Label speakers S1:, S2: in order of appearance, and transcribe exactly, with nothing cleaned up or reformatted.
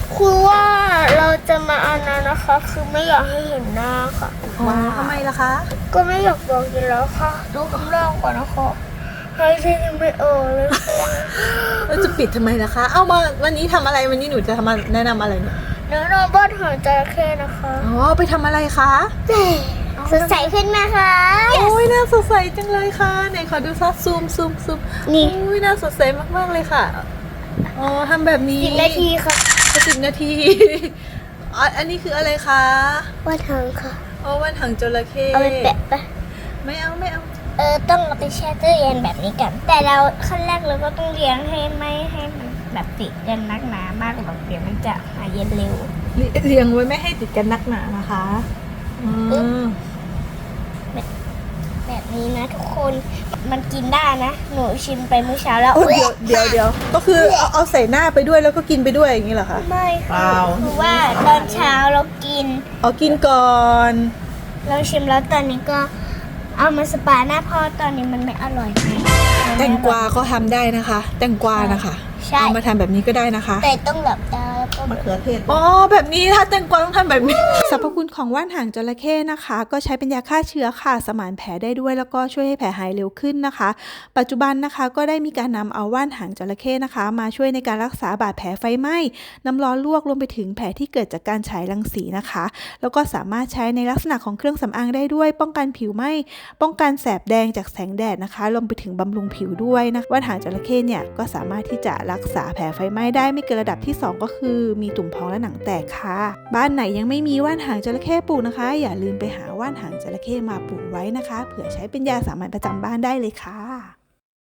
S1: คือว่าเราจะมาอันนั้นนะคะ คือไม่อยากให้เห็นหน้าค่ะ
S2: ว้าวทำไมล่ะคะ
S1: ก็ไม่อยากบอกอยู่แล้วค่ะดูคำร้องก่อนนะคะให้ที่ยังไม่ออกเลย
S2: เราจะปิดทำไมล่ะคะ เอามาวันนี้ทำอะไรวันนี้หนูจะทำมาแนะนำอะไรเนี่ย
S1: เนื้อนอนบ้านหางจระเข้นะคะ
S2: อ๋อไปทำอะไรคะ
S1: สดใสขึ้นไหมคะ
S2: โอ้ยน่าสดใสจังเลยค่ะไหนขอดูซักซูมซูมซูม
S1: นี่
S2: โอ้ยน่าสดใสมากๆเลยค่ะอ๋อทำแบบนี้
S1: สิบนาทีค่ะ
S2: สิบนาที อ๋ออันนี้คืออะไรคะ
S1: ว่าทางค่ะ
S2: อ๋อวันถังจระเข้
S1: เอาไปแปะปะ
S2: ไม่เอาไม่เอา
S1: เออต้องเอาไปแช่ตู้เย็นแบบนี้กัน แต่เราขั้นแรกเราก็ต้องเลี้ยงให้ไม่ให้มันแบบติดกันนักหนามากหรอกเดี๋ยวมันจะหายเย็นเร็ว
S2: เรียงไว้ไม่ให้ติดกันนักหนานะคะอืม
S1: แบบนี้นะทุกคนมันกินได้นะหนูชิมไปเมื่อเช้าแล้ว
S2: โอ้เดี๋ยวเดี๋ยวเดี๋ยวก็คือเอาเอาใส่หน้าไปด้วยแล้วก็กินไปด้วยอย่างนี้เหรอคะ
S1: ไม่
S2: เป
S1: ค่ะ
S2: ล่า
S1: คือว่าตอนเช้าเรากิน
S2: เอากินก่อน
S1: เราชิมแล้วตอนนี้ก็เอามาสปาหน้าเพราะตอนนี้มันไม่อร่อยค่ะ
S2: แตงกวาก็ทำได้นะคะ แตงกวานะคะ
S1: ใช่
S2: เอามาทำแบบนี้ก็ได้นะคะ
S1: แต่ต้องแบบดาวแล้วก็
S2: มะเขือเทศอ๋อแบบนี้ถ้าแตงกวาต้องทำแบบนี้ สรรพคุณของว่านหางจระเข้นะคะ ก็ใช้เป็นยาฆ่าเชื้อค่ะสมานแผลได้ด้วยแล้วก็ช่วยให้แผลหายเร็วขึ้นนะคะ ปัจจุบันนะคะก็ได้มีการนำเอาว่านหางจระเข้นะคะ มาช่วยในการรักษาบาดแผลไฟไหม้น้ำร้อนลวกรวมไปถึงแผลที่เกิดจากการฉายรังสีนะคะ แล้วก็สามารถใช้ในลักษณะของเครื่องสำอางได้ด้วย ป้องกันผิวไหม้ป้องกันแสบแดงจากแสงแดดนะคะรวมไปถึงบำรุงผิวด้วยนะว่านหางจระเข้เนี่ยก็สามารถที่จะรักษาแผลไฟไหม้ได้ไม่เกินระดับที่สองก็คือมีตุ่มพองและหนังแตกค่ะ บ้านไหนยังไม่มีว่านหางจระเข้ปลูกนะคะ อย่าลืมไปหาว่านหางจระเข้มาปลูกไว้นะคะเผื่อใช้เป็นยาสามัญประจำบ้านได้เลยค่ะ